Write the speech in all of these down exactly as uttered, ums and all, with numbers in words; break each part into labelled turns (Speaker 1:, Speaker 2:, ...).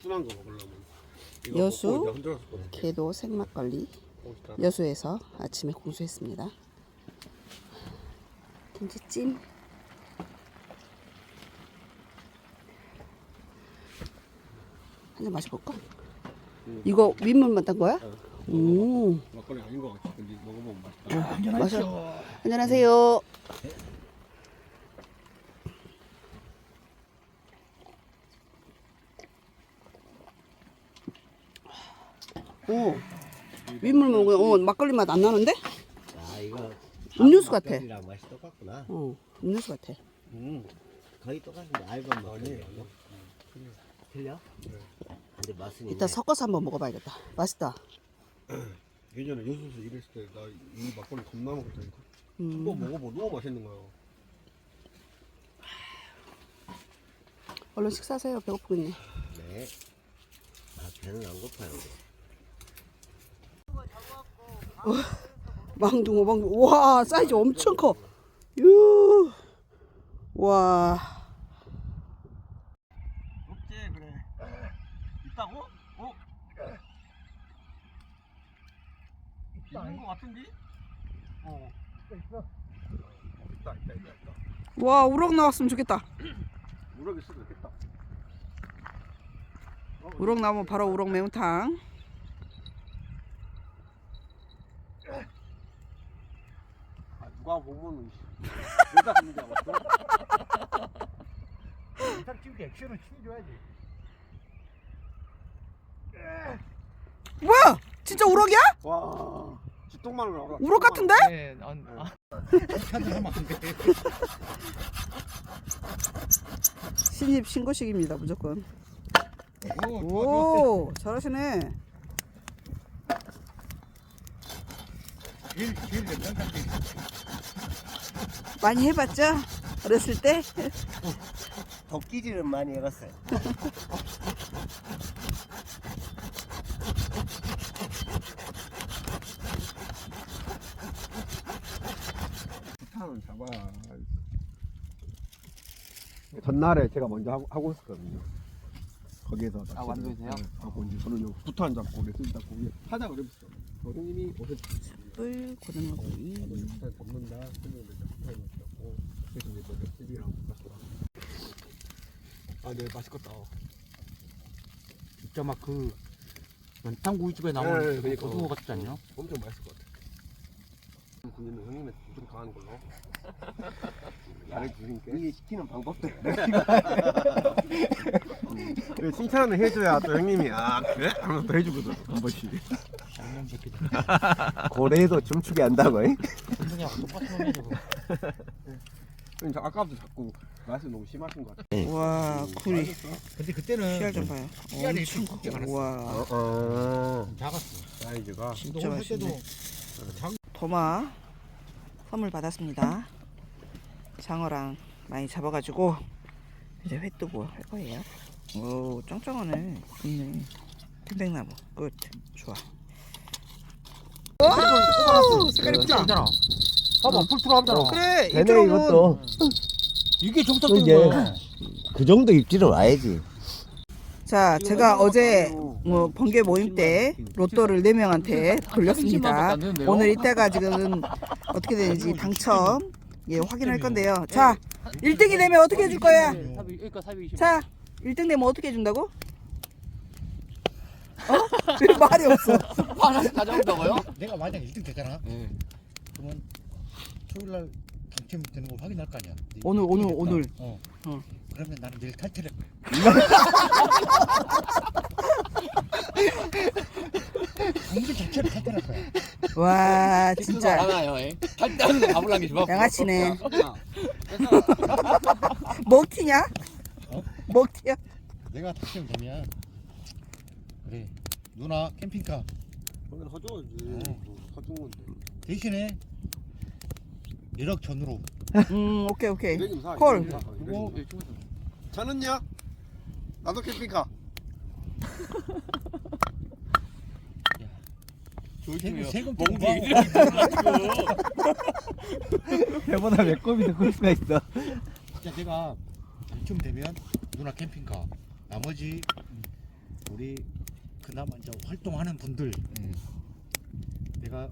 Speaker 1: 둔한 거 먹으려면. 이거
Speaker 2: 여수
Speaker 1: 먹고 이제 흔들었었거든.
Speaker 2: 개도 생막걸리
Speaker 1: 맛있다.
Speaker 2: 여수에서 아침에 공수했습니다. 김치찜. 한잔 마셔볼까?
Speaker 1: 응.
Speaker 2: 이거 윗물만 딴 거야?
Speaker 1: 어,
Speaker 2: 오.
Speaker 1: 막걸리 아닌 거 같아. 근데 먹어보면 맛있다.
Speaker 2: 어, 마셔. 안녕하세요. 오. 윗물 먹으면 어, 막걸리 맛 안 나는데?
Speaker 3: 아 이거
Speaker 2: 음료수 같아.
Speaker 3: 막걸리랑 맛이 똑같구나.
Speaker 2: 어, 음료수 같아.
Speaker 3: 음 거의 똑같은데 알밤 막걸리. 틀려? 근데 맛은
Speaker 2: 이따
Speaker 3: 있네.
Speaker 2: 섞어서 한번 먹어봐야겠다. 맛있다.
Speaker 1: 예전에 여수에서 일했을 때 나 이 막걸리 겁나 먹었다니까.
Speaker 2: 음.
Speaker 1: 한번 먹어보 너무 맛있는 거야.
Speaker 2: 얼른 식사하세요. 배고프겠네.
Speaker 3: 네. 아 배는 안 고파요.
Speaker 2: 망둥어 망둥어. 와 사이즈 엄청 커. 유. 와.
Speaker 1: 없지 그래. 있다고? 어? 있는 거 같은데? 어. 있어. 있다 있다 있다 있다.
Speaker 2: 와 우럭 나왔으면 좋겠다.
Speaker 1: 우럭 있어도 있겠다.
Speaker 2: 우럭 나오면 바로 우럭 매운탕.
Speaker 1: 아, 누가 보면 여자 하는 줄 알았어.
Speaker 4: 일단 찍을 때 액션을 치줘야지.
Speaker 2: 뭐야? 진짜 우럭이야?
Speaker 1: 와, 쥐똥만을 나와.
Speaker 2: 우럭 같은데?
Speaker 4: 네, 안, 아.
Speaker 2: 신입 신고식입니다 무조건.
Speaker 4: 오, 좋아, 좋아.
Speaker 2: 오 잘하시네.
Speaker 4: 제일, 제일 괜찮다.
Speaker 2: 많이 해봤죠? 어렸을 때?
Speaker 3: 도끼질은 많이 해봤어요.
Speaker 1: 부탄은 잡아. 전날에 제가 먼저 하고, 하고 있었거든요. 거기에서
Speaker 4: 아, 완도에서요?
Speaker 1: 네, 하고 이제 저는 부탄 잡고 레슨 잡고 하자 그랬어. 선생님이 오늘
Speaker 2: 뿔 고등어구이.
Speaker 1: 부탄 잡는다. 선생님이 이제 부탄 잡고 그래서 이제 뭐 집이랑 갔어. 아, 네 맛있겠다.
Speaker 4: 진짜 막 그 연탄구이집에 나오는
Speaker 1: 네,
Speaker 4: 그
Speaker 1: 그러니까.
Speaker 4: 고등어 같지 않냐?
Speaker 1: 엄청 맛있을 것 같아. 형님은 형님의 좀 강한 걸로. 잘해주니까.
Speaker 3: 이게 시키는 방법도
Speaker 1: 그래, 칭찬을 해줘야 또 형님이 아 그래? 하면서 또 해주거든 한 번씩.
Speaker 4: 양념 새끼들.
Speaker 3: 고래도 춤추게 한다고. 잉?
Speaker 4: 선생님하고 똑같은 놈이야 저거.
Speaker 1: 형님 저 아까부터 자꾸 맛이 너무 심하신 것 같아.
Speaker 2: 와 굴이
Speaker 4: 근데 그때는
Speaker 2: 씨알 좀 봐요.
Speaker 4: 씨알이
Speaker 2: 엄청
Speaker 4: 좀 크게
Speaker 2: 커.
Speaker 4: 많았어.
Speaker 2: 와
Speaker 1: 어.
Speaker 4: 작았어.
Speaker 1: 사이즈가.
Speaker 2: 진짜
Speaker 4: 할 때도
Speaker 2: 맛있네. 도마 선물 받았습니다. 장어랑 많이 잡아가지고 이제 회 뜨고 할 거예요. 오 짱짱하네. 좋네. 편백나무 끝. 좋아. 오 색깔 이쁘다.
Speaker 4: 있잖아. 봐봐, 풀풀 하잖아.
Speaker 2: 그래
Speaker 3: 되네
Speaker 2: 이쪽은
Speaker 3: 이것도.
Speaker 4: 이게 정상적인
Speaker 3: 이게.
Speaker 4: 거야.
Speaker 3: 그 정도 입질은 와야지.
Speaker 2: 자 제가 어제 뭐 번개 모임 때 로또를 네 명한테 돌렸습니다. 오늘 이따가 지금 어떻게 되는지 당첨 예 확인할 건데요. 자 일 등이 되면 어떻게 해줄 거야?
Speaker 4: 그러니까 사비 이십.
Speaker 2: 자 일 등 되면 어떻게 해준다고? 어? 왜 말이 없어?
Speaker 4: 하나씩 가져온다고요?
Speaker 5: 내가 만약 일 등 되잖아.
Speaker 4: 네.
Speaker 5: 그러면 토요일 날 당첨되는 걸 확인할 거 아니야. 네,
Speaker 2: 오늘, 오늘,
Speaker 5: 됐다.
Speaker 2: 오늘.
Speaker 5: 어.
Speaker 2: 어.
Speaker 5: 그러면 나는 내일 탈퇴를. 공개 자체를 탈퇴할 거야.
Speaker 2: 와 진짜
Speaker 4: 알아요. 할때하는 거 가불란 게 좋아.
Speaker 2: 양아치네. 먹튀냐?
Speaker 5: 어?
Speaker 2: 먹튀야?
Speaker 5: 내가 당첨되면 그래 누나 캠핑카
Speaker 1: 형님 허줘야지.
Speaker 5: 어.
Speaker 1: 허준 건데.
Speaker 5: 대신에 일억 전으로.
Speaker 2: 음 오케이 오케이.
Speaker 1: 이백이면 사,
Speaker 2: 콜.
Speaker 1: 이백이면 사,
Speaker 5: 그거
Speaker 1: 이백이면 사. 저는요? 나도 캠핑카.
Speaker 5: 세금 세금
Speaker 4: 멍디.
Speaker 5: 공부하고
Speaker 3: 배보다 매콤이 더 클 수가 있어.
Speaker 5: 진짜 내가 당첨되면 누나 캠핑카 나머지 우리 그나마 이제 활동하는 분들
Speaker 4: 네.
Speaker 5: 내가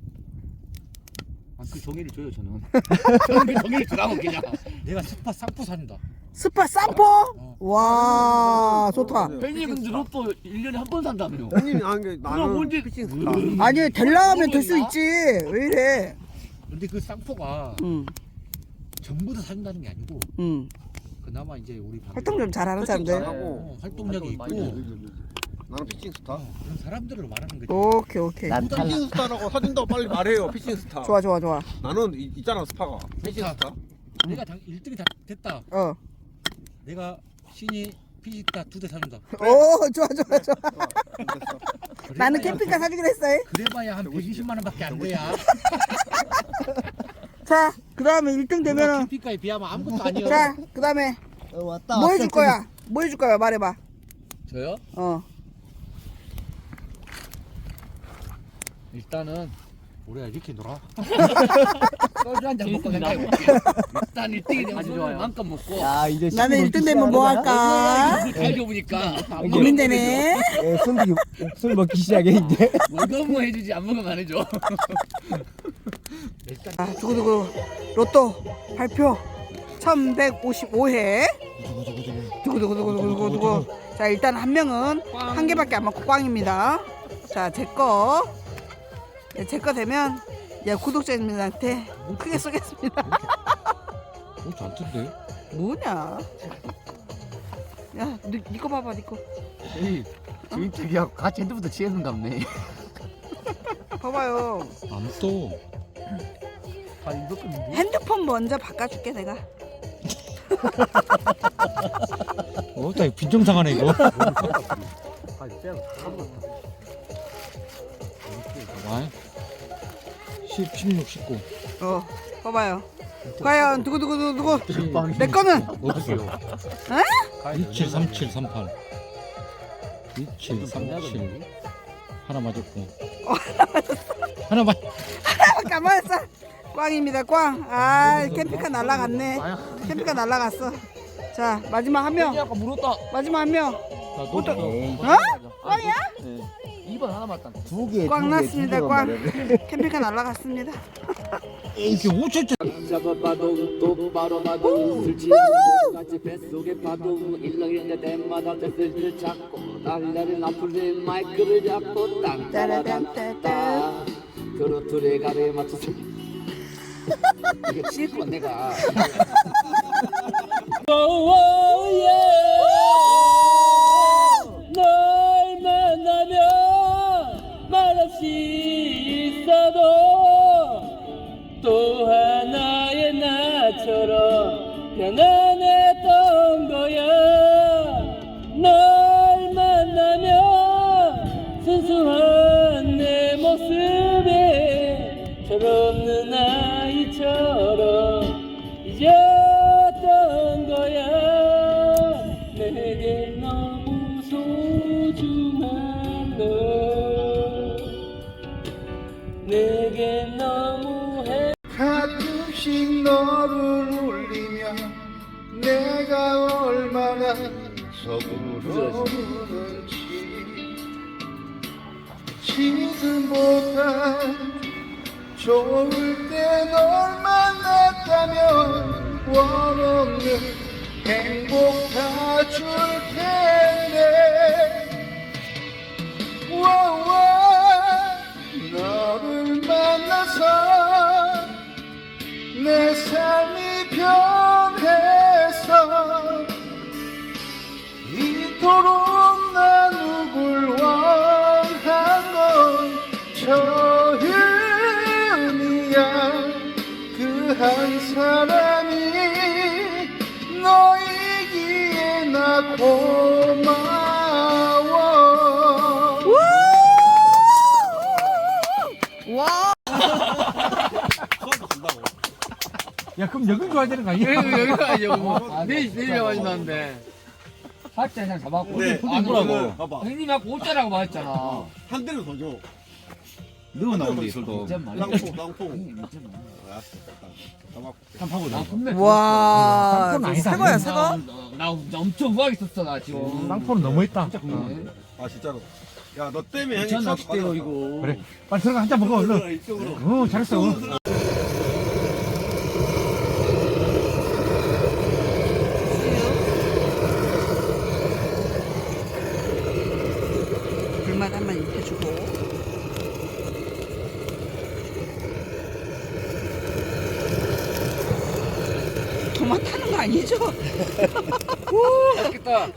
Speaker 4: 아, 그 종이를 줘요 저는. 저는 그 종이를 주라고 그냥.
Speaker 5: 내가 스파 쌍포 산다.
Speaker 2: 스파 쌈포?
Speaker 5: 어.
Speaker 2: 와 좋다.
Speaker 4: 팬이 근데 로또 일 년에 한 번 산다며요.
Speaker 1: 형님이 하는 게
Speaker 4: 그럼
Speaker 1: 나는
Speaker 4: 언제
Speaker 1: 피칭
Speaker 4: 음.
Speaker 1: 스타.
Speaker 2: 아니 될라면 될 수 있지. 왜 이래?
Speaker 5: 근데 그 쌍포가
Speaker 2: 응,
Speaker 5: 전부 다 사준다는 게 아니고
Speaker 2: 응.
Speaker 5: 그나마 이제 우리 방송-
Speaker 2: 활동 좀 잘하는 사람들.
Speaker 1: 잘하고.
Speaker 5: 어, 활동력이 있고
Speaker 4: 활동을 많이
Speaker 1: 여기, 여기, 여기. 나는 피칭 스타.
Speaker 5: 어, 그런 사람들을 말하는 거지.
Speaker 2: 오케이 오케이.
Speaker 3: 난 탈락.
Speaker 1: 피칭 스타라고 사준다고 빨리 말해요. 피칭 스타.
Speaker 2: 좋아 좋아 좋아.
Speaker 1: 나는 이, 있잖아 스파가. 피칭 스타.
Speaker 5: 내가 당 일 등이 다 됐다.
Speaker 2: 어.
Speaker 5: 내가 신이 피지타 두 대 사준다.
Speaker 2: 오 좋아 좋아 좋아.
Speaker 1: 됐어.
Speaker 2: 나는
Speaker 5: 그래봐야-
Speaker 2: 캠핑카 사주기로 했어.
Speaker 5: 그래봐야 한 백이십만 원밖에 안 돼야.
Speaker 2: 자, 그 다음에 일 등
Speaker 5: 그거
Speaker 2: 되면은
Speaker 5: 캠핑카에 비하면 아무것도 아니야.
Speaker 2: 자, 그 다음에
Speaker 3: 어, 왔다.
Speaker 2: 뭐 해줄 거야? 뭐 해줄 거야? 말해봐.
Speaker 4: 저요?
Speaker 2: 어.
Speaker 5: 일단은 우리가 이렇게 놀아.
Speaker 4: 소주 한잔 먹고 생각해 볼게. 일단 일 등이 되면 소주 만큼 먹고.
Speaker 3: 야 이제
Speaker 2: 나는 일 등 되면 뭐 할까?
Speaker 4: 잘 줘보니까 안
Speaker 2: 고민되네.
Speaker 3: 예, 손들이 술 먹기 시작해 이제.
Speaker 4: 먹으면 뭐 해주지 안 먹으면 안 해줘.
Speaker 2: 아, 두구두구 로또 발표 천백오십오 회. 두구두구두구두구두구. 자, 일단 한 명은 한 개밖에 안 먹고 꽝입니다. 자, 제 거. 네, 제 거 되면 야, 구독자님들한테 크게 쏘겠습니다.
Speaker 5: 오 잔뜩데?
Speaker 2: 뭐냐? 야, 니, 니거 봐봐, 니 거.
Speaker 4: 에이, 주인택이하고 같이 핸드부터 취해서 갑네.
Speaker 2: 봐봐요.
Speaker 5: 안 떠.
Speaker 4: 아, 이거 끝인데?
Speaker 2: 핸드폰 먼저 바꿔줄게, 내가.
Speaker 5: 어, 나 빈정상하네 이거.
Speaker 4: 아, 쎄.
Speaker 5: 아, 십, 십육, 십구.
Speaker 2: 어, 봐봐요. 과연 두구두구두구 내 거는
Speaker 5: 없어요.
Speaker 2: 에?
Speaker 5: 이칠, 삼칠, 삼팔. 이칠, 삼칠. 하나 맞았고. 하나 맞.
Speaker 2: 가만 있어. 꽝입니다, 꽝. 아, 캠핑카 날라갔네. 캠핑카 날라갔어. 자, 마지막 한 명.
Speaker 4: 아까 물었다.
Speaker 2: 마지막 한 명.
Speaker 5: 너
Speaker 3: 에이,
Speaker 2: 어? 꽝이야?
Speaker 4: 이 번 하나 맞다.
Speaker 3: 두 개.
Speaker 2: 꽝
Speaker 3: 두 개,
Speaker 2: 났습니다,
Speaker 3: 두
Speaker 2: 꽝.
Speaker 3: 개만 말해.
Speaker 2: 캠핑카 날라갔습니다.
Speaker 5: 이게 오천짜.
Speaker 4: 잡아봐도 똑바로 봐도 술 취해도 같이 뱃속에 봐도 일렁이는 때마다 뱃을 잡고 날라를 나풀린 마이크를 잡고 땅따라땅따 트로트의 가래에 맞춰서 이게 칠번 내가 널 만나면 말없이 있어도 또 하나의 나처럼 편안했던 거야. 널 만나면 순수한 내 모습에 철없는 아이처럼 잊었던 거야. 내게 너무 소중한 너, 내게 너무 해.
Speaker 1: 가끔씩 너를 울리면 내가 얼마나 서두르는지 지금보다 좋을 때 널 만났다면 원없는 행복 다 줄 텐데 와와 너를 만나서 내 삶이 변해서 이토록 나 누굴 원한 건 처음이야. 그 한 사람이 너이기에 나 고마워.
Speaker 2: 와!
Speaker 5: 야 그럼 여기 좋아야 되는 거 아니야?
Speaker 4: 여기 여기 가야죠. 내일 내일 마신다는데. 팔자 그냥 잡았고.
Speaker 1: 네,
Speaker 4: 아,
Speaker 1: 뭐라고? 봐봐.
Speaker 4: 형님이 아까 오자라고 말했잖아.
Speaker 1: 한 대는 더 줘.
Speaker 5: 너가 나오는데 이설도.
Speaker 1: 낭포, 낭포.
Speaker 5: 한파고 나.
Speaker 2: 와,
Speaker 5: 낭포는 아니다.
Speaker 2: 새거야, 새거?
Speaker 4: 나, 나, 나 엄청 후하게 썼어 나 지금.
Speaker 5: 낭포는 너무했다.
Speaker 4: 어.
Speaker 1: 아 진짜로. 야 너 때문에 형이
Speaker 4: 괜찮
Speaker 1: 추억
Speaker 4: 낚싯대요
Speaker 1: 받았어.
Speaker 4: 이거.
Speaker 5: 그래. 빨리 들어가 한 잔 먹어 얼른.
Speaker 1: 이쪽으로.
Speaker 5: 어 잘했어.
Speaker 2: 불맛 한번 입혀주고. 도마 타는 거 아니죠?
Speaker 4: 맛있겠다.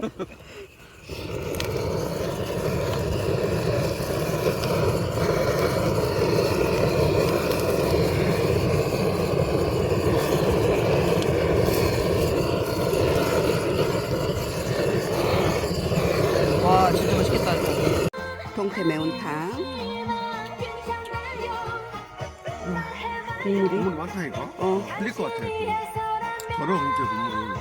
Speaker 2: 와 진짜 맛있겠다 이거. 동태 매운탕. 음, 국물이
Speaker 1: 국물이 많다니까.
Speaker 2: 어
Speaker 1: 흘릴 것 같아. 더러워 진짜 국물을.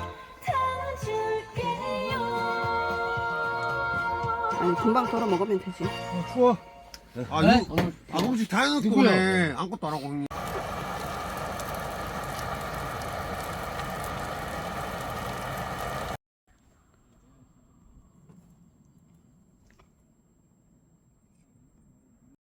Speaker 2: 아니 금방 덜어 먹으면 되지.
Speaker 5: 추워.
Speaker 1: 아
Speaker 4: 네?
Speaker 1: 이거 아 음식 다 해놓고
Speaker 5: 누구야?
Speaker 1: 오네. 아무것도 안 하고 형님.